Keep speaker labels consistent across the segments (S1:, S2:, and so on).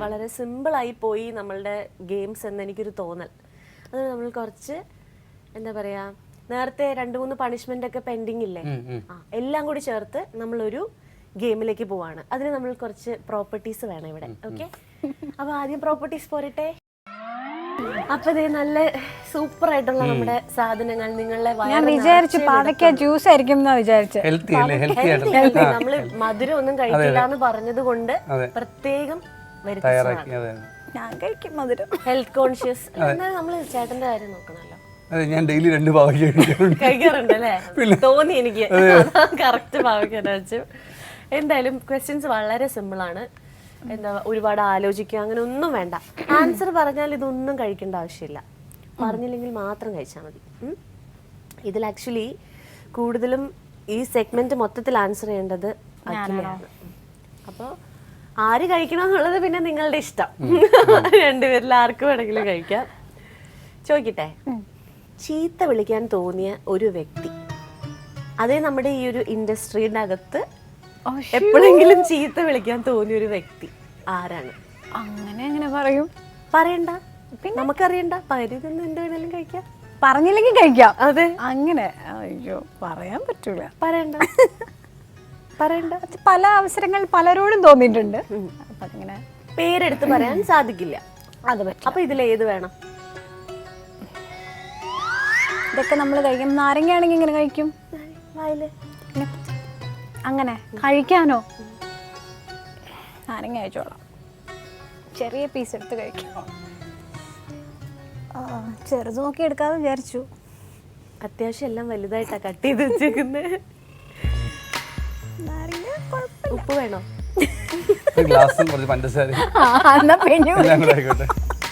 S1: വളരെ സിമ്പിളായി പോയി നമ്മളുടെ ഗെയിംസ് എന്ന് എനിക്കൊരു തോന്നൽ. അത് നമ്മൾ കുറച്ച് എന്താ പറയാ, നേരത്തെ 2-3 പണിഷ്മെന്റ് ഒക്കെ പെൻഡിങ് ഇല്ലേ, എല്ലാം കൂടി ചേർത്ത് നമ്മളൊരു ഗെയിമിലേക്ക് പോവാണ്. അതിന് നമ്മൾ കുറച്ച് പ്രോപ്പർട്ടീസ് വേണം ഇവിടെ. ഓക്കെ, അപ്പൊ ആദ്യം പ്രോപ്പർട്ടീസ് പോരട്ടെ. അപ്പൊ ഇതേ നല്ല സൂപ്പർ ആയിട്ടുള്ള നമ്മുടെ സാധനങ്ങൾ നിങ്ങളെ
S2: വിചാരിച്ചു പാവയ്ക്ക ജ്യൂസ് ആയിരിക്കും
S1: നമ്മള് മധുരം ഒന്നും കഴിക്കില്ല എന്ന് പറഞ്ഞത് കൊണ്ട് പ്രത്യേകം
S2: ഞാൻ കഴിക്കും മധുരം.
S1: Health conscious. എന്നാലും നമ്മള് ചേട്ടന്റെ കാര്യം നോക്കണല്ലോ.
S3: ഞാൻ ഡെയിലി 2 പാവയ്ക്ക
S1: കഴിക്കാറുണ്ട് അല്ലേ? തോന്നി എനിക്ക് കറക്റ്റ് പാവയ്ക്ക വെച്ചു. എന്തായാലും ക്വസ്റ്റ്യൻസ് വളരെ സിമ്പിൾ ആണ്. എന്താ ഒരുപാട് ആലോചിക്കുക അങ്ങനെ ഒന്നും വേണ്ട. ആൻസർ പറഞ്ഞാൽ ഇതൊന്നും കഴിക്കേണ്ട ആവശ്യമില്ല, പറഞ്ഞില്ലെങ്കിൽ മാത്രം കഴിച്ചാൽ മതി. ഇതിൽ ആക്ച്വലി കൂടുതലും ഈ സെഗ്മെന്റ് മൊത്തത്തിൽ ആൻസർ ചെയ്യേണ്ടത് അഖിലയാണ്. അപ്പോൾ ആര് കഴിക്കണം എന്നുള്ളത് പിന്നെ നിങ്ങളുടെ ഇഷ്ടം. രണ്ടുപേരിൽ ആർക്ക് വേണമെങ്കിലും കഴിക്കാം. ചോദിക്കട്ടെ, ചീത്ത വിളിക്കാൻ തോന്നിയ ഒരു വ്യക്തി, അതേ നമ്മുടെ ഈ ഒരു ഇൻഡസ്ട്രിയുടെ അകത്ത് എപ്പോഴെങ്കിലും ചീത്ത വിളിക്കാൻ തോന്നിയ ഒരു വ്യക്തി ആരാണ്?
S2: അങ്ങനെ പറയും?
S1: പറയണ്ട, നമുക്കറിയണ്ട. പരിധൊന്നും എന്ത് വേണേലും കഴിക്കാം,
S2: പറഞ്ഞില്ലെങ്കിൽ കഴിക്കാം.
S1: അതെ,
S2: അങ്ങനെ. അയ്യോ, പറയാൻ പറ്റൂല.
S1: പറയണ്ട.
S2: പല അവസരങ്ങൾ പലരോടും തോന്നിയിട്ടുണ്ട്. അപ്പൊ അങ്ങനെ
S1: പേരെടുത്ത് പറയാൻ സാധിക്കില്ല.
S2: അത് പറ്റും.
S1: അപ്പൊ ഇതിലേത് വേണം?
S2: ഇതൊക്കെ നമ്മൾ കഴിക്കും. നാരങ്ങയാണെങ്കിൽ ഇങ്ങനെ കഴിക്കും,
S1: വായില്
S2: അങ്ങനെ കഴിക്കാനോ? നാരങ്ങ കഴിച്ചോളാം, ചെറിയ പീസ് എടുത്ത് കഴിക്കും. ചെറുത് നോക്കി എടുക്കാതെ വിചാരിച്ചു.
S1: അത്യാവശ്യം എല്ലാം വലുതായിട്ടാ കട്ട് ചെയ്ത് വെച്ചേക്കുന്നത്.
S2: നാരങ്ങ കുഴപ്പമില്ല.
S1: ഉപ്പ് വേണോ?
S3: ഗ്ലാസും കുറച്ച് പഞ്ചസാര
S2: ആയിക്കോട്ടെ.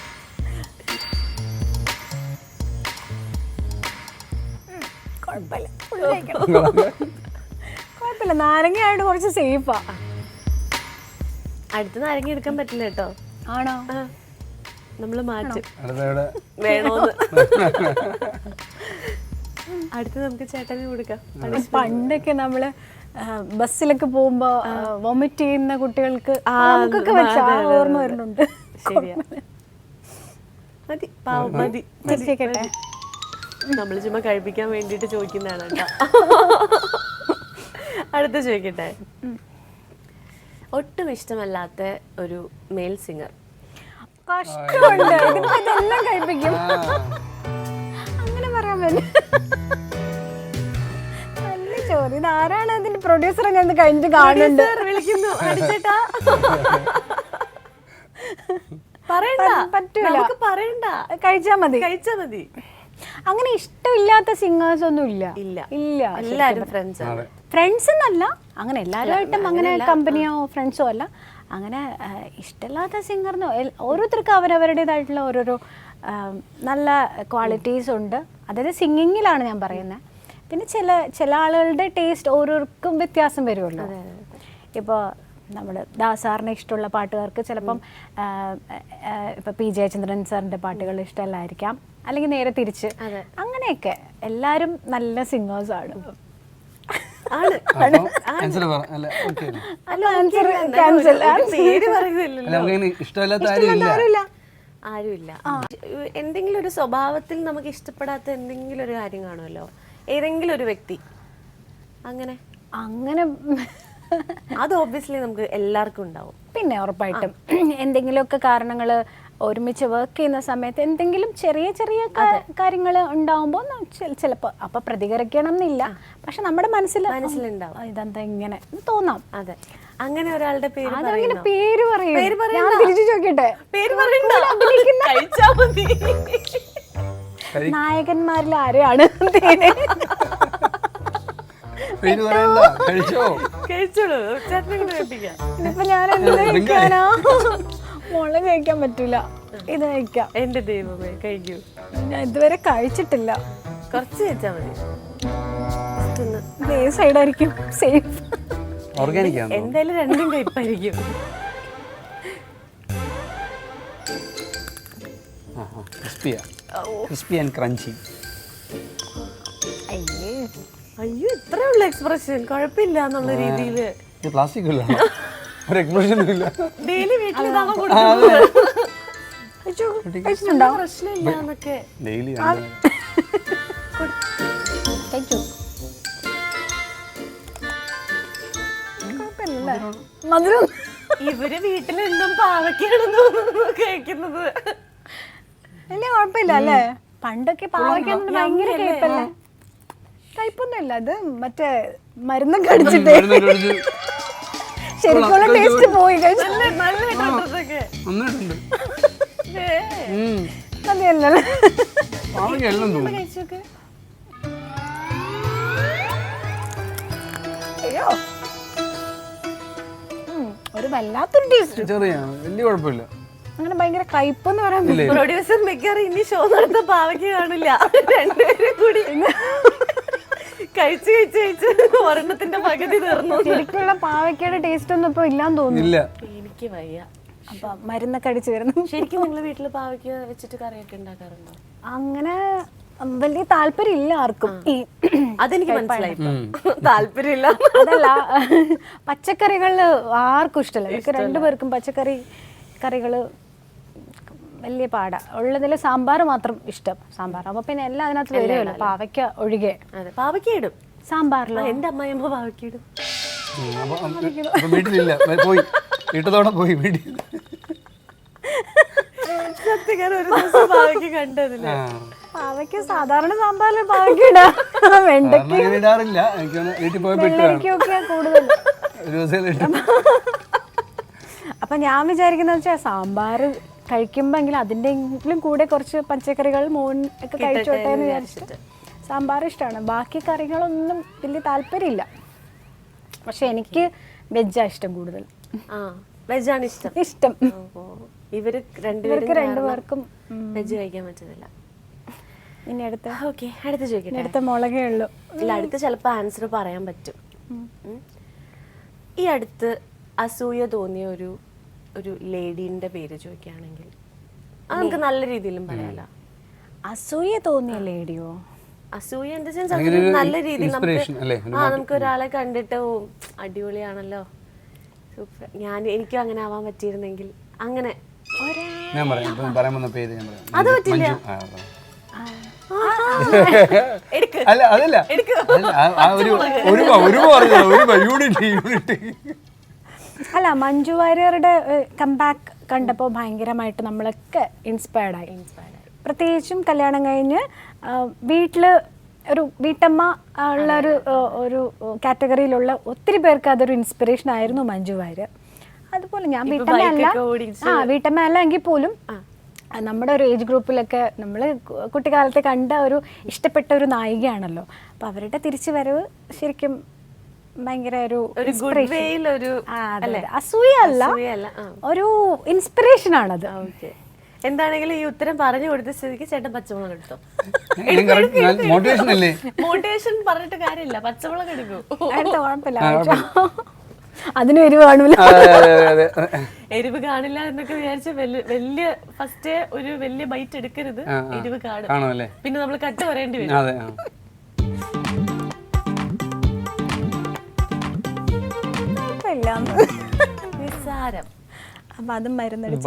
S2: കുഴപ്പമില്ല, നാരങ്ങയായിട്ട് കുറച്ച് സേഫാ.
S1: അടുത്ത നാരങ്ങ എടുക്കാൻ പറ്റില്ല കേട്ടോ.
S2: ആണോ?
S1: നമ്മള് മാറ്റും വേണോന്ന്. അടുത്ത് നമുക്ക് ചേട്ടന് കൊടുക്കാം.
S2: പണ്ടൊക്കെ നമ്മള് ബസ്സിലൊക്കെ പോകുമ്പോ വൊമിറ്റ് ചെയ്യുന്ന കുട്ടികൾക്ക് നമുക്കൊക്കെ വെച്ച് ഓർമ്മ വരുന്നുണ്ട്.
S1: മതി, പാവം മതി. നമ്മള് ചുമ്മാ കഴിപ്പിക്കാൻ വേണ്ടിട്ട് ചോദിക്കുന്നതാണ് കേട്ടോ. അടുത്ത ചോദിക്കട്ടെ, ഒട്ടും ഇഷ്ടമല്ലാത്ത ഒരു മെയിൽ സിംഗർ.
S2: കഷ്ടമുണ്ട്, ഇതെല്ലാം കഴിപ്പിക്കും. അങ്ങനെ പറയാൻ പറ്റും. നല്ല ചോദ്യം. ഇതാരാണ് അതിന്റെ പ്രൊഡ്യൂസർ? അങ്ങനെ കഴിഞ്ഞിട്ട് കാണുന്നുണ്ട്.
S1: വിളിക്കുന്നു, അടിച്ചേട്ടാ. പറയണ്ട,
S2: പറ്റൂല,
S1: പറയണ്ട,
S2: കഴിച്ചാ മതി. അങ്ങനെ ഇഷ്ടമില്ലാത്ത സിംഗേഴ്സ് ഒന്നും ഇല്ല.
S1: എല്ലാരും
S2: ഫ്രണ്ട്സ് എന്നല്ല, അങ്ങനെ എല്ലാവരുമായിട്ടും അങ്ങനെ കമ്പനിയോ ഫ്രണ്ട്സോ അല്ല. അങ്ങനെ ഇഷ്ടമില്ലാത്ത സിംഗറിനോ ഓരോരുത്തർക്കും അവരവരുടേതായിട്ടുള്ള ഓരോരോ നല്ല ക്വാളിറ്റീസ് ഉണ്ട്. അതായത് സിംഗിങ്ങിലാണ് ഞാൻ പറയുന്നത്. പിന്നെ ചില ആളുകളുടെ ടേസ്റ്റ് ഓരോരുക്കും വ്യത്യാസം വരുമല്ലോ. ഇപ്പോൾ നമ്മൾ ദാസാറിന് ഇഷ്ടമുള്ള പാട്ടുകാർക്ക് ചിലപ്പം ഇപ്പം പി ജയചന്ദ്രൻ സാറിൻ്റെ പാട്ടുകൾ ഇഷ്ടമല്ലായിരിക്കാം, അല്ലെങ്കിൽ നേരെ തിരിച്ച്. അങ്ങനെയൊക്കെ എല്ലാവരും നല്ല സിംഗേഴ്സാണ്.
S1: ആരുമില്ല. എന്തെങ്കിലും ഒരു സ്വഭാവത്തിൽ നമുക്ക് ഇഷ്ടപ്പെടാത്ത എന്തെങ്കിലും ഒരു കാര്യം കാണുമല്ലോ, ഏതെങ്കിലും ഒരു വ്യക്തി. അങ്ങനെ അത് ഓബ്വിയസ്ലി നമുക്ക് എല്ലാവർക്കും ഉണ്ടാവും.
S2: പിന്നെ ഉറപ്പായിട്ടും എന്തെങ്കിലുമൊക്കെ കാരണങ്ങൾ ഒരുമിച്ച് വർക്ക് ചെയ്യുന്ന സമയത്ത് എന്തെങ്കിലും ചെറിയ കാര്യങ്ങൾ ഉണ്ടാവുമ്പോൾ ചിലപ്പോൾ അപ്പൊ പ്രതികരിക്കണം എന്നില്ല, പക്ഷെ നമ്മുടെ മനസ്സിലുണ്ടാവും ഇതെന്താ ഇങ്ങനെ തോന്നാം.
S1: അതെ, അങ്ങനെ ഒരാളുടെ പേര്
S2: പറയും. ഞാൻ തിരിച്ചു ചോദിക്കട്ടെ, നായകന്മാരിൽ ആരെയാണ്? ഇപ്പൊ ഞാൻ എന്ത് കഴിക്കാനാ? മുളക് കഴിക്കാൻ പറ്റൂല, ഇത് കഴിക്കാം.
S1: എന്റെ ദൈവമേ, കഴിക്കൂ.
S2: ഞാൻ ഇതുവരെ കഴിച്ചിട്ടില്ല.
S1: കുറച്ച് കഴിച്ചാ മതി.
S2: ഏത് സൈഡായിരിക്കും സേഫ്?
S1: എന്തായാലും രണ്ടും കഴിപ്പായിരിക്കും. അയ്യോ, ഇത്രേ ഉള്ള എക്സ്പ്രഷൻ, കുഴപ്പമില്ല എന്നുള്ള രീതിയില്.
S3: ഒരു എക്സ്പ്രഷനും ഇല്ല.
S1: ഡെയിലി വീട്ടിൽ ഇതാണോ കൊടുക്കുന്നത്?
S2: കഴിച്ചിട്ടുണ്ടോ?
S1: പ്രശ്നമില്ല എന്നൊക്കെ.
S3: ഡെയിലി
S2: കഴിച്ചു. കുഴപ്പമില്ലല്ലേ? മധുരം
S1: ഇവര് വീട്ടിലെന്തും പാവയ്ക്കാണെന്ന് തോന്നുന്നു കഴിക്കുന്നത്.
S2: വലിയ കുഴപ്പമില്ല അല്ലേ? പണ്ടൊക്കെ പാവയ്ക്കൊന്നും ഭയങ്കര കയ്പല്ലേ? കയ്പൊന്നുമില്ല, ഇത് മറ്റേ മരുന്നൊക്കെ അടിച്ചിട്ട് ശരിക്കുള്ള ടേസ്റ്റ് പോയി. കഴിച്ചു
S1: നന്നായിട്ടൊക്കെ
S3: നന്നായിട്ടുണ്ട്.
S2: മതിയല്ലേ?
S3: പാവയ്ക്ക് എല്ലാം തോന്നും.
S1: കഴിച്ചോക്കെ.
S2: അയ്യോ, ഒരു വല്ലാത്തൊരു ടേസ്റ്റ്.
S3: ചെറിയാണ്, വലിയ കുഴപ്പമില്ല.
S2: അങ്ങനെ ഭയങ്കര കയ്പെന്ന് പറയാൻ പറ്റില്ല.
S1: പ്രൊഡ്യൂസർ മിക്കവാറും ഇനി ഷോ നടത്ത പാവയ്ക്ക് കാണില്ല. രണ്ടുപേരും കൂടി കഴിച്ച് കഴിച്ച് കഴിച്ച് ഒരെണ്ണത്തിന്റെ പകുതി തീർന്നു.
S2: ശരിക്കുള്ള പാവയ്ക്കയുടെ ടേസ്റ്റ് ഒന്നും ഇപ്പൊ ഇല്ലാന്ന് തോന്നുന്നു.
S1: എനിക്ക് വയ്യ.
S2: അപ്പൊ മരുന്നൊക്കെ അടിച്ചു വരുന്നു.
S1: ശരിക്കും നിങ്ങൾ വീട്ടില് പാവയ്ക്ക വെച്ചിട്ട് കറിയൊക്കെ ഉണ്ടാക്കാറുണ്ടോ?
S2: അങ്ങനെ വലിയ താല്പര്യം ഇല്ല ആർക്കും. ഈ
S1: അതെനിക്ക് മനസ്സിലായി, താല്പര്യമില്ല.
S2: അതല്ല, പച്ചക്കറികളില് ആർക്കും ഇഷ്ടമല്ല. എനിക്ക് രണ്ടുപേർക്കും പച്ചക്കറി കറികള് വലിയ പാടാ. ഉള്ളതിൽ സാമ്പാർ മാത്രം ഇഷ്ടം. സാമ്പാർ അപ്പൊ പിന്നെ എല്ലാം അതിനകത്ത് വരുമല്ലോ, പാവയ്ക്ക ഒഴികെ.
S1: അതെ, പാവയ്ക്ക ഇടും
S2: സാമ്പാറിലോ.
S1: എന്റെ അമ്മയമ്മ പാവയ്ക്ക ഇടും.
S3: വീട്ടിലില്ല, പോയി വീട്ടത്തോടെ പോയി വീട്ടിൽ.
S1: സത്യം ഒരു ദിവസം പാവയ്ക്ക കണ്ടതില്ല.
S2: പാവയ്ക്ക സാധാരണ സാമ്പാറിൽ പാവയ്ക്ക ഇടാം. വെണ്ടയ്ക്ക
S3: ഇടാറില്ല. എനിക്ക് വീട്ടിൽ പോയപ്പോ
S2: കൂടുതൽ.
S3: ഒരു ദിവസം
S2: അപ്പൊ ഞാൻ വിചാരിക്കുന്ന വെച്ചാൽ സാമ്പാർ കഴിക്കുമ്പോ അതിൻ്റെങ്കിലും കൂടെ കുറച്ച് പച്ചക്കറികൾ മോൻ ഒക്കെ കഴിച്ചോട്ടെ എന്ന് വിചാരിച്ചിട്ട് സാമ്പാർ ഇഷ്ടമാണ്. ബാക്കി കറികളൊന്നും വലിയ താല്പര്യമില്ല. പക്ഷെ എനിക്ക് വെജാ ഇഷ്ടം കൂടുതൽ.
S1: വെജാണ് ഇഷ്ടം.
S2: ഇഷ്ടം
S1: ഇവർക്ക്
S2: രണ്ടുപേർക്കും
S1: വെജ് കഴിക്കാൻ പറ്റുന്നില്ല.
S2: ഇനി അടുത്ത
S1: ചോദിക്കട്ടെ.
S2: അടുത്ത മുളകേ ഉള്ളൂ.
S1: ഇല്ല, അടുത്ത് ചിലപ്പോ ആൻസർ പറയാൻ പറ്റും. ഈ അടുത്ത് അസൂയ തോന്നിയ ഒരു ലേഡീന്റെ പേര് ചോദിക്കുകയാണെങ്കിൽ നമുക്ക് നല്ല രീതിയിലും പറയാലോ.
S2: അസൂയ തോന്നിയ ലേഡിയോ?
S1: അസൂയ ഇൻ ദ സെൻസ് നല്ല രീതിയിൽ നമുക്ക് ഒരാളെ കണ്ടിട്ട് അടിപൊളിയാണല്ലോ, സൂപ്പർ, എനിക്കും അങ്ങനെ ആവാൻ പറ്റിയിരുന്നെങ്കിൽ അങ്ങനെ.
S3: ഞാൻ പറയാൻ വന്ന പേര് ഞാൻ പറയാം.
S1: അത് പറ്റില്ല.
S3: അല്ല അതല്ല, യൂണിറ്റ്.
S2: അല്ല, മഞ്ജു വാര്യറുടെ കംബാക്ക് കണ്ടപ്പോൾ ഭയങ്കരമായിട്ട് നമ്മളൊക്കെ ഇൻസ്പയർഡ് ആയി. പ്രത്യേകിച്ചും കല്യാണം കഴിഞ്ഞ് വീട്ടില് ഒരു വീട്ടമ്മ ഉള്ള ഒരു കാറ്റഗറിയിലുള്ള ഒത്തിരി പേർക്ക് അതൊരു ഇൻസ്പിറേഷൻ ആയിരുന്നു മഞ്ജു വാര്യർ. അതുപോലെ ഞാൻ വീട്ടമ്മ അല്ല എങ്കിൽ പോലും നമ്മുടെ ഒരു ഏജ് ഗ്രൂപ്പിലൊക്കെ നമ്മൾ കുട്ടിക്കാലത്തെ കണ്ട ഇഷ്ടപ്പെട്ട ഒരു നായികയാണല്ലോ. അപ്പം അവരുടെ തിരിച്ചു വരവ് ശരിക്കും ഭയങ്കര അസൂയ അല്ല, ഒരു ഇൻസ്പിറേഷൻ ആണത്.
S1: എന്താണെങ്കിലും ഈ ഉത്തരം പറഞ്ഞു കൊടുത്ത സ്ഥിതിക്ക് ചേട്ടൻ പച്ചമുളക് എടുത്തോ. മോട്ടിവേഷൻ പറഞ്ഞിട്ട് കാര്യമില്ല, പച്ചമുളക് എടുക്കൂ.
S2: കുഴപ്പമില്ല, അതിന് എരിവ് കാണൂല.
S1: എരിവ് കാണില്ല എന്നൊക്കെ വിചാരിച്ച വലിയ ഫസ്റ്റ് ഒരു വലിയ ബൈറ്റ് എടുക്കരുത്, എരിവ് കാണും. പിന്നെ നമ്മൾ കട്ട് പറയേണ്ടി വരും. നിസ്സാരം.
S2: അപ്പൊ അതും മരുന്നടിച്ചു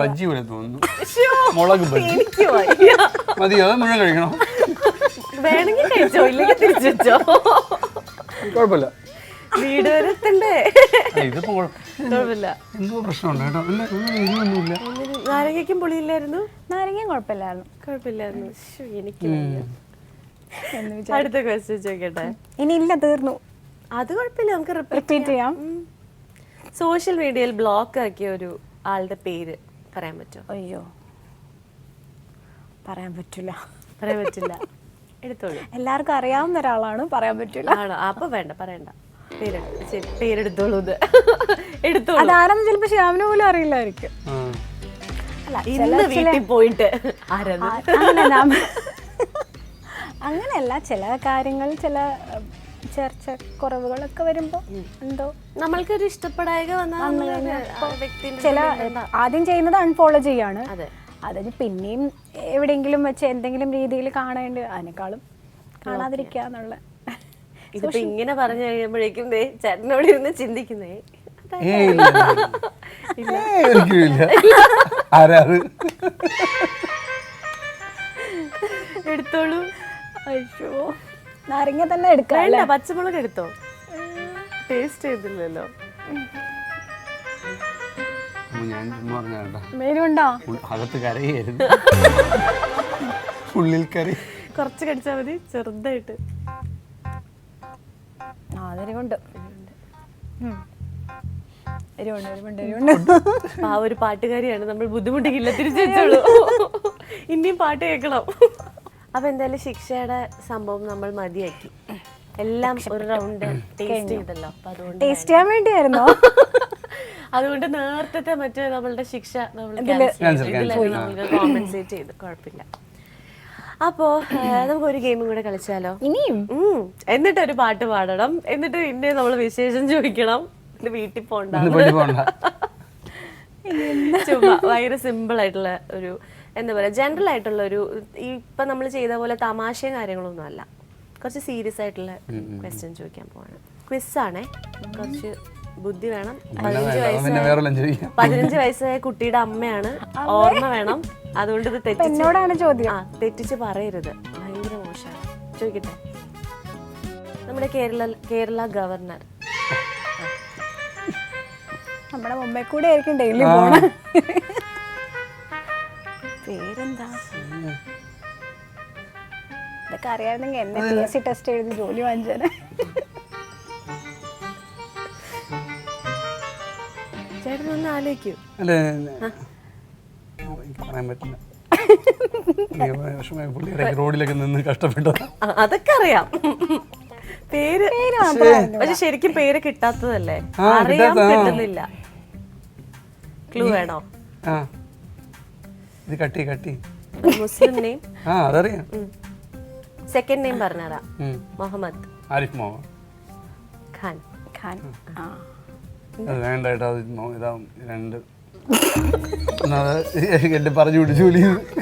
S1: വേണമെങ്കിൽ കഴിച്ചോ, ഇല്ലെങ്കിൽ തിരിച്ചു വെച്ചോ,
S3: കുഴപ്പമില്ല.
S1: വീട് വരെ എത്തണ്ടേ? കുഴപ്പമില്ല. നാരങ്ങയ്ക്കും പുളിയില്ലായിരുന്നു.
S2: നാരങ്ങയും കുഴപ്പമില്ലായിരുന്നു.
S1: എനിക്ക് അടുത്ത ക്വസ്റ്റ്യൻ ചോദിക്കട്ടെ.
S2: ഇനി ഇല്ല, തീർന്നു.
S1: അത് കുഴപ്പമില്ല, നമുക്ക്
S2: റിപ്പീറ്റ് ചെയ്യാം.
S1: സോഷ്യൽ മീഡിയയിൽ ബ്ലോക്ക് ആക്കിയ ഒരു ആളുടെ പേര് പറയാൻ പറ്റുമോ?
S2: അയ്യോ, പറയാൻ പറ്റില്ല.
S1: എടുത്തോളൂ.
S2: എല്ലാവർക്കും അറിയാവുന്ന ഒരാളാണ്, പറയാൻ പറ്റില്ല.
S1: ആണോ? അപ്പൊ വേണ്ട, പറയണ്ട. പേരെടുത്തോളൂ.
S2: അതാരെന്ന് ചിലപ്പോ ശ്യാമിന് പോലും അറിയില്ലായിരിക്കും.
S1: ഇന്ന് വീട്ടിൽ പോയിട്ട്
S2: അങ്ങനെയല്ല, ചില കാര്യങ്ങൾ, ചില ചർച്ച കുറവുകളൊക്കെ വരുമ്പോ എന്തോ
S1: നമ്മൾക്കൊരു ഇഷ്ടപ്പെടായക
S2: ചില ആദ്യം ചെയ്യുന്നത് അൺഫോളോ ചെയ്യാണ്. അതിന് പിന്നെയും എവിടെയെങ്കിലും വെച്ച് എന്തെങ്കിലും രീതിയിൽ കാണേണ്ടി, അതിനേക്കാളും കാണാതിരിക്കുക എന്നുള്ള.
S1: ഇതിപ്പോ ഇങ്ങനെ പറഞ്ഞു കഴിയുമ്പോഴേക്കും ചേട്ടനോട് ഇരുന്ന് ചിന്തിക്കുന്നേ,
S3: ഒരിക്കലും ആരാ അത്?
S1: എടുത്തോളൂ.
S2: അയ്യോ, നാരങ്ങ തന്നെ എടുക്കാം.
S1: വേണ്ട, പച്ചമുളക് എടുത്തോ. ടേസ്റ്റ് ചെയ്തില്ലല്ലോ.
S3: ഞാൻ പറഞ്ഞാ
S2: മേലുണ്ടോ?
S3: അകത്ത് കരയായിരുന്നു, ഉള്ളിൽ കറി.
S1: കുറച്ച് കടിച്ചാൽ മതി, ചെറുതായിട്ട്.
S2: അതിനുണ്ട്
S1: ആ ഒരു പാട്ടുകാരിയാണ്, നമ്മൾ ബുദ്ധിമുട്ടിക്കില്ല, തിരിച്ചു വെച്ചോളൂ. ഇനിയും പാട്ട് കേൾക്കണം. അപ്പൊ എന്തായാലും ശിക്ഷയുടെ സംഭവം നമ്മൾ മതിയാക്കി. എല്ലാം ഒരു റൗണ്ട് ടേസ്റ്റ് ചെയ്തല്ലോ. അപ്പൊ അതുകൊണ്ട്
S2: ടേസ്റ്റ് ചെയ്യാൻ വേണ്ടിയായിരുന്നോ?
S1: അതുകൊണ്ട് നേരത്തെ മറ്റേ നമ്മളുടെ ശിക്ഷ നമുക്ക് കോമ്പൻസേറ്റ് ചെയ്ത് കുഴപ്പമില്ല. അപ്പോ നമുക്ക് ഒരു ഗെയിമും കൂടെ കളിച്ചാലോ?
S2: ഇനിയും
S1: എന്നിട്ട് ഒരു പാട്ട് പാടണം, എന്നിട്ട് പിന്നെ നമ്മൾ വിശേഷം ചോദിക്കണം, വീട്ടിൽ പോണ്ട. ചുമ്മാ ഭയങ്കര സിമ്പിൾ ആയിട്ടുള്ള ഒരു, എന്താ പറയുക, ജനറൽ ആയിട്ടുള്ള ഒരു, ഇപ്പൊ നമ്മൾ ചെയ്ത പോലെ തമാശയും കാര്യങ്ങളൊന്നും അല്ല, കുറച്ച് സീരിയസ് ആയിട്ടുള്ള ക്വസ്റ്റ്യൻ ചോദിക്കാൻ പോവാണ്. ക്വിസ് ആണേ, കുറച്ച് ബുദ്ധി വേണം. 15 വയസ്സായ കുട്ടിയുടെ അമ്മയാണ്, ഓർമ്മ വേണം. അതുകൊണ്ട് ഇത് തെറ്റിച്ച് പറയരുത്, ഭയങ്കര മോശമാണ്. ചോദിക്കട്ടെ, നമ്മുടെ കേരള ഗവർണർ
S2: നമ്മുടെ മുമ്പേ കൂടെ ആയിരിക്കും ഡെയിലി പോണ. പേരെന്താ? ഇതൊക്കെ അറിയാമെങ്കിൽ എന്നെ PSC ടെസ്റ്റ് എഴുതി ജോലി വാങ്ങിച്ചേനെ.
S1: ചേട്ടൻ ഒന്ന് ആലോചിക്കൂ.
S3: പറയാൻ പറ്റില്ല, റോഡിലൊക്കെ നിന്ന് കഷ്ടപ്പെട്ടു.
S1: അതൊക്കെ അറിയാം, പേര് പക്ഷെ ശരിക്കും പേര് കിട്ടാത്തതല്ലേ, അറിയാൻ കിട്ടുന്നില്ല. ക്ലൂ വേണോ?
S3: ഇത് കട്ടി
S1: മുസ്ലിം നെയിം.
S3: അതറിയാം.
S1: സെക്കൻഡ് നെയിം പറഞ്ഞാ? മുഹമ്മദ്
S3: ആരിഫ് മുഹമ്മദ്
S1: ഖാൻ.
S3: വേണ്ട കേട്ടോ, ഇതാ രണ്ട് എന്റെ പറഞ്ഞു വിട്ടു ജോലി.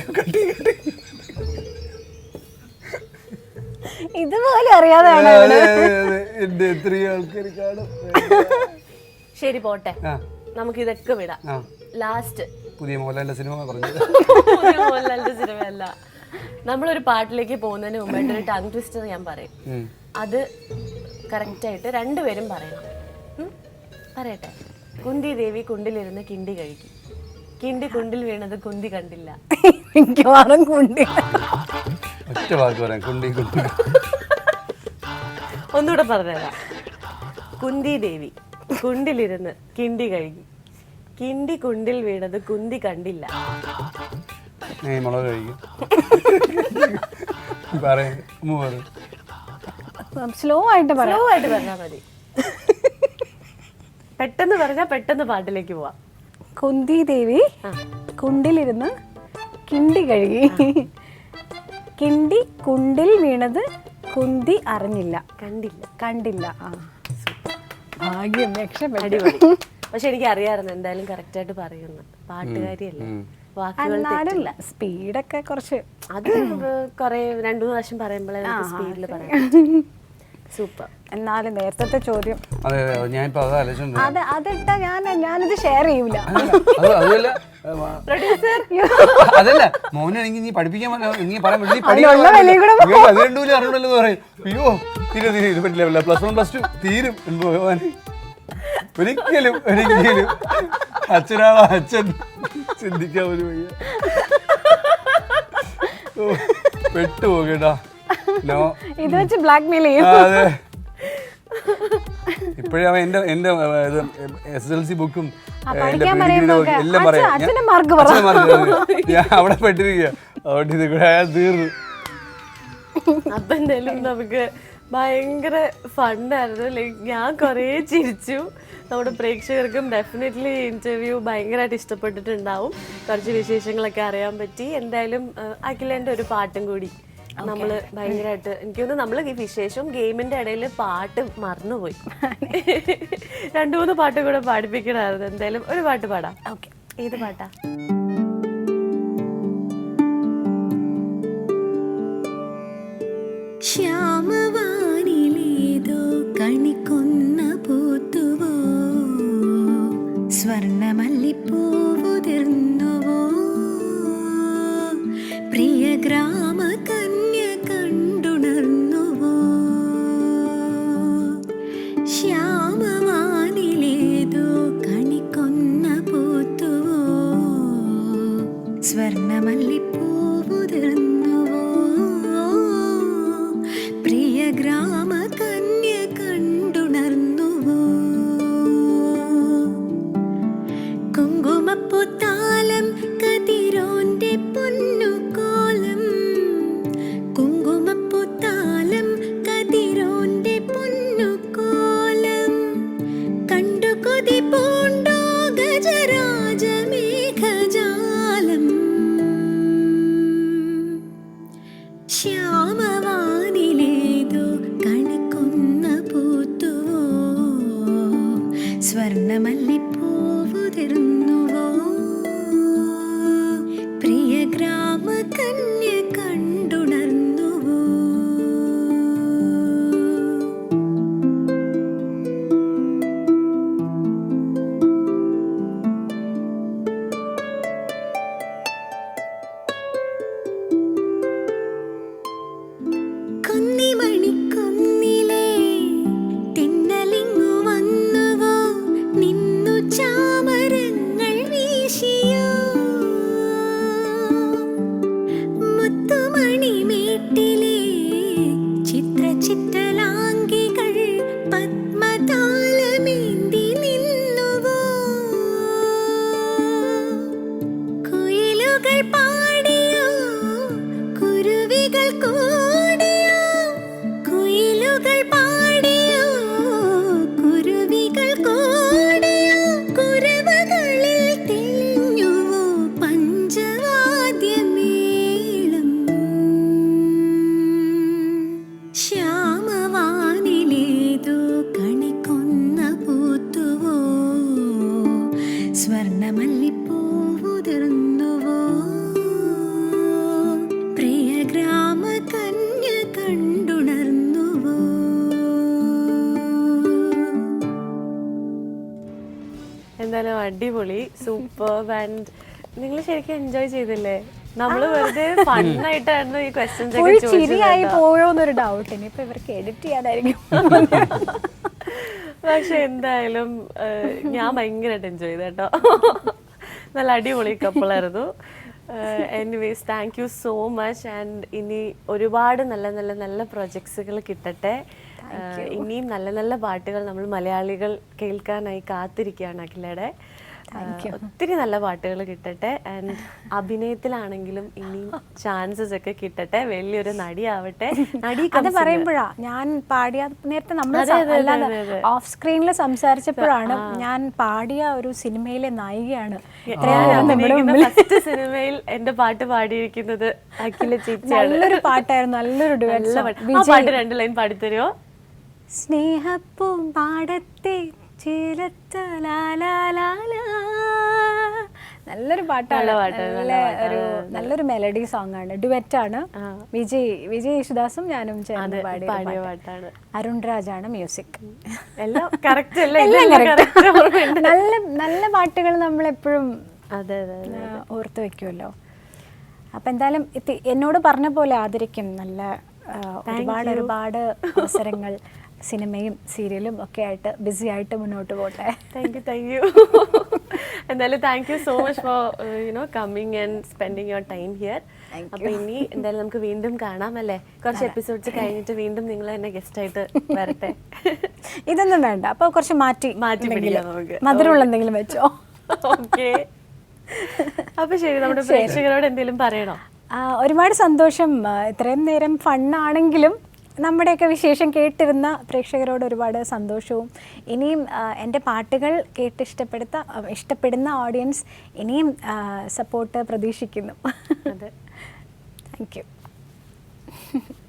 S2: ഇതുപോലെ അറിയാതെയാണ്
S3: എന്റെ എത്രയോ ആൾക്കാർ കാണും.
S1: ശരി പോട്ടെ, നമുക്ക് ഇതൊക്കെ വിടാം. ലാസ്റ്റ്
S3: പുതിയ മോഹൻലാലിന്റെ സിനിമ പറഞ്ഞത്.
S1: പുതിയ മോഹൻലാലിന്റെ സിനിമയല്ല, നമ്മളൊരു പാട്ടിലേക്ക് പോകുന്നതിന് മുമ്പായിട്ട് ഒരു ടങ് ട്വിസ്റ്റർ ഞാൻ പറയും. അത് കറക്റ്റ് ആയിട്ട് രണ്ടുപേരും പറയണം. പറയട്ടെ. കുന്തി ദേവി കുണ്ടിലിരുന്ന് കിണ്ടി കഴിക്കും, കിണ്ടി കുണ്ടിൽ വീണത് കുന്തി കണ്ടില്ല.
S3: ഒറ്റ വാക്ക് പറയാം, കുണ്ടി.
S1: ഒന്നുകൂടെ പറഞ്ഞുതരാം. കുന്തി ദേവി കുണ്ടിലിരുന്ന് കിണ്ടി കഴുകി, കിണ്ടി കുണ്ടിൽ വീണത് കുന്തി കണ്ടില്ല.
S3: മുളക് കഴിക്കും.
S2: സ്ലോ ആയിട്ട്
S1: പറഞ്ഞാൽ മതി. പെട്ടെന്ന് പറഞ്ഞാൽ പെട്ടെന്ന് പാട്ടിലേക്ക് പോവാം.
S2: കുന്തി ദേവി കുണ്ടിലിരുന്ന് കിണ്ടി കഴുകി, കിണ്ടി കുണ്ടിൽ വീണത് കുന്തി അറിഞ്ഞില്ല, കണ്ടില്ല. ഭാഗ്യം, രക്ഷപ്പെട്ടു.
S1: പക്ഷെ എനിക്ക് അറിയാമായിരുന്നു എന്തായാലും കറക്റ്റ് ആയിട്ട് പറയുന്നു, പാട്ടുകാരിയല്ലേ, വാക്കുകൾ
S2: സ്പീഡൊക്കെ കുറച്ച്.
S1: അത് കുറെ 2-3 പ്രാവശ്യം പറയുമ്പോഴേ സ്പീഡിൽ പറയാം. സൂപ്പർ.
S2: എന്നാലും നേരത്തെ ചോദ്യം അതിട്ട ഞാനിത് ഷെയർ ചെയ്യൂല.
S3: അതല്ല മോനാണെങ്കിൽ നീ പഠിപ്പിക്കാൻ അറിയണല്ലോ പറയും. അയ്യോ തീരെ ഇത് പറ്റില്ല, +1 +2 തീരും. ഒരിക്കലും അച്ഛനാണോ അച്ഛൻ ചിന്തിക്കാൻ ഒരു വയ്യ. പെട്ടുപോകേട്ടാ.
S2: ഇത് വെച്ച് ബ്ലാക്ക്മെയിൽ ചെയ്യും.
S3: അതെ, ഇപ്പോഴേ അവൻ എന്റെ SSLC ബുക്കും എല്ലാം പറയാം. ഞാൻ അവിടെ പെട്ടിരിക്കുക, അതുകൊണ്ട് ഇത് കൂടെ അയാൾ തീർന്നു.
S1: അപ്പൊ എന്തായാലും നമുക്ക് ഭയങ്കര ഫണ്ടായിരുന്നു. ലൈക്ക് ഞാൻ കുറേ ചിരിച്ചു. നമ്മുടെ പ്രേക്ഷകർക്കും ഡെഫിനറ്റ്ലി ഇന്റർവ്യൂ ഭയങ്കരമായിട്ട് ഇഷ്ടപ്പെട്ടിട്ടുണ്ടാവും. കുറച്ച് വിശേഷങ്ങളൊക്കെ അറിയാൻ പറ്റി. എന്തായാലും അഖിലേന്റെ ഒരു പാട്ടും കൂടി നമ്മൾ ഭയങ്കരമായിട്ട്, എനിക്ക് തോന്നുന്നു നമ്മൾ ഈ വിശേഷവും ഗെയിമിന്റെ ഇടയിൽ പാട്ട് മറന്നുപോയി. 2-3 പാട്ട് കൂടെ പാടിപ്പിക്കണമായിരുന്നു. എന്തായാലും ഒരു പാട്ട് പാടാം.
S2: ഓക്കെ,
S1: ഏത് പാട്ടാ?
S4: ശ്യാമവാനിലേതോ കണിക്കൊന്ന പൂത്തുവോ, സ്വർണമല്ലിപ്പൂവുതിർന്നുവോ പ്രിയ ഗ്രാമ കന്യ കണ്ടുണർന്നുവോ ശ്യാമവാനിലേതോ കണിക്കൊന്ന പൂത്തുവോ സ്വർണമല്ലിപ്പൂവുതിർന്നുവോ പ്രിയ ഗ്രാമ കന്യ കണ്ടുണർന്നുവോ കുങ്കുമപ്പൂത്താലം കതിരോന്റെ പൊന്നുകോലം കുങ്കുമപ്പൂത്താലം കതിരോന്റെ പൊന്നുകോലം കണ്ടു കൊതി പൂണ്ടോ ഗജരാജമേഘജാലം ശ്യാമവാനിലേതോ കണിക്കൊന്ന പൂത്തുവോ സ്വർണമല്ലിപ്പൂവുതിർന്നുവോ പ്രിയ ഗ്രാമ കന്യ കണ്ടുണർന്നുവോ കുന്നിമണിക്കുന്നിലേ തിന്നലിങ്ങു വന്നുവോ നിന്നു ചാമരങ്ങൾ വീശിയോ മുത്തുമണിമേട്ടിലേ ചിത്രചിത്തലാംഗികൾ പത്മതാലമേന്തി നിന്നുവോ കുയിലുകൾ പാടിയോ കുരുവികൾ കൂടിയോ കുയിലുകൾ പാടിയോ കുരുവികൾ കൂടിയോ കുരവകളിൽ തെളിഞ്ഞുവോ പഞ്ചവാദ്യമേളം ശ്യാമവാനിലേതോ കണിക്കൊന്ന പൂത്തുവോ സ്വർണമല്ലിപ്പൂവുതിർന്നുവോ പ്രിയ ഗ്രാമ കന്യ കണ്ടുണർന്നുവോ
S1: എന്തായാലും അടിപൊളി, സൂപ്പർ. ആൻഡ് നിങ്ങൾ ശരിക്കും എൻജോയ് ചെയ്തില്ലേ? നമ്മള് വെറുതെ ഫണ്ണായിട്ടായിരുന്നു ഈ ക്വസ്റ്റ്യൻസ് ഒക്കെ
S2: ചിരിയായി
S1: ചോദിച്ചത്.
S2: പോയോന്നൊരു ഡൗട്ട്. ഇനിയിപ്പോ ഇവർക്ക് എഡിറ്റ് ചെയ്യാനായിരിക്കും.
S1: പക്ഷെ എന്തായാലും ഞാൻ ഭയങ്കരമായിട്ട് എൻജോയ് ചെയ്തു കേട്ടോ. നല്ല അടിപൊളി കപ്പിളായിരുന്നു. Anyways thank you so much. And ഇനി ഒരുപാട് നല്ല നല്ല നല്ല പ്രൊജക്ട്സുകൾ കിട്ടട്ടെ. ഇനിയും നല്ല നല്ല പാട്ടുകൾ നമ്മൾ മലയാളികൾ കേൾക്കാനായി കാത്തിരിക്കുകയാണ് അഖിലയുടെ. ഒത്തിരി നല്ല പാട്ടുകൾ കിട്ടട്ടെ. ആൻഡ് അഭിനയത്തിലാണെങ്കിലും ഇനിയും ചാൻസസ് ഒക്കെ കിട്ടട്ടെ. വലിയൊരു നടിയാവട്ടെ. നടി
S2: അത് പറയുമ്പോഴാ ഞാൻ പാടിയ നേരത്തെ നമ്മൾ ഓഫ് സ്ക്രീനിൽ സംസാരിച്ചപ്പോഴാണ് ഞാൻ പാടിയ ഒരു സിനിമയിലെ നായികയാണ്.
S1: ഫസ്റ്റ് സിനിമയിൽ എന്റെ പാട്ട് പാടിയിരിക്കുന്നത് അഖില ചേച്ചിയാണ്.
S2: നല്ലൊരു പാട്ടായിരുന്നു, നല്ലൊരു ഡുവറ്റ്.
S1: ആ പാട്ട് 2 ലൈൻ പാടിത്തരുമോ?
S2: സ്നേഹപ്പൂമ്പാടത്തെ നല്ലൊരു പാട്ടാണ്. നല്ലൊരു മെലഡി സോങ് ആണ്, ഡുവറ്റ് ആണ്. വിജയ് യേശുദാസും ഞാനും ചേർന്ന് പാടിയ പാട്ടാണ്. അരുൺ രാജാണ് മ്യൂസിക്.
S1: എല്ലാം കറക്റ്റ്.
S2: നല്ല നല്ല പാട്ടുകൾ നമ്മളെപ്പോഴും ഓർത്ത് വെക്കുമല്ലോ. അപ്പൊ എന്തായാലും എന്നോട് പറഞ്ഞ പോലെ ആദരിക്കും. നല്ല ഒരുപാട് അവസരങ്ങൾ സിനിമയും സീരിയലും ഒക്കെ ആയിട്ട് ബിസി ആയിട്ട് മുന്നോട്ട് പോട്ടെ.
S1: Thank you. എന്തായാലും thank you so much for coming and spending your time here. അപ്പൊ ഇനി എന്തായാലും നമുക്ക് വീണ്ടും കാണാം അല്ലേ? കുറച്ച് എപ്പിസോഡ്സ് കഴിഞ്ഞിട്ട് വീണ്ടും നിങ്ങൾ തന്നെ ഗസ്റ്റ് ആയിട്ട് വരട്ടെ.
S2: ഇതൊന്നും വേണ്ട, അപ്പൊ കുറച്ച് മാറ്റി
S1: പിടിക്കാം നമുക്ക്.
S2: മധുരമുള്ള എന്തെങ്കിലും വെച്ചോ.
S1: ഓക്കെ. അപ്പൊ ശരി, നമ്മുടെ പ്രേക്ഷകരോട് എന്തെങ്കിലും പറയണോ?
S2: ഒരുപാട് സന്തോഷം. ഇത്രയും നേരം ഫണ്ണാണെങ്കിലും നമ്മുടെയൊക്കെ വിശേഷം കേട്ടിരുന്ന പ്രേക്ഷകരോട് ഒരുപാട് സന്തോഷവും. ഇനിയും എൻ്റെ പാട്ടുകൾ ഇഷ്ടപ്പെടുന്ന ഓഡിയൻസ് ഇനിയും സപ്പോർട്ട് പ്രതീക്ഷിക്കുന്നു.
S1: അതെ,
S2: താങ്ക് യു.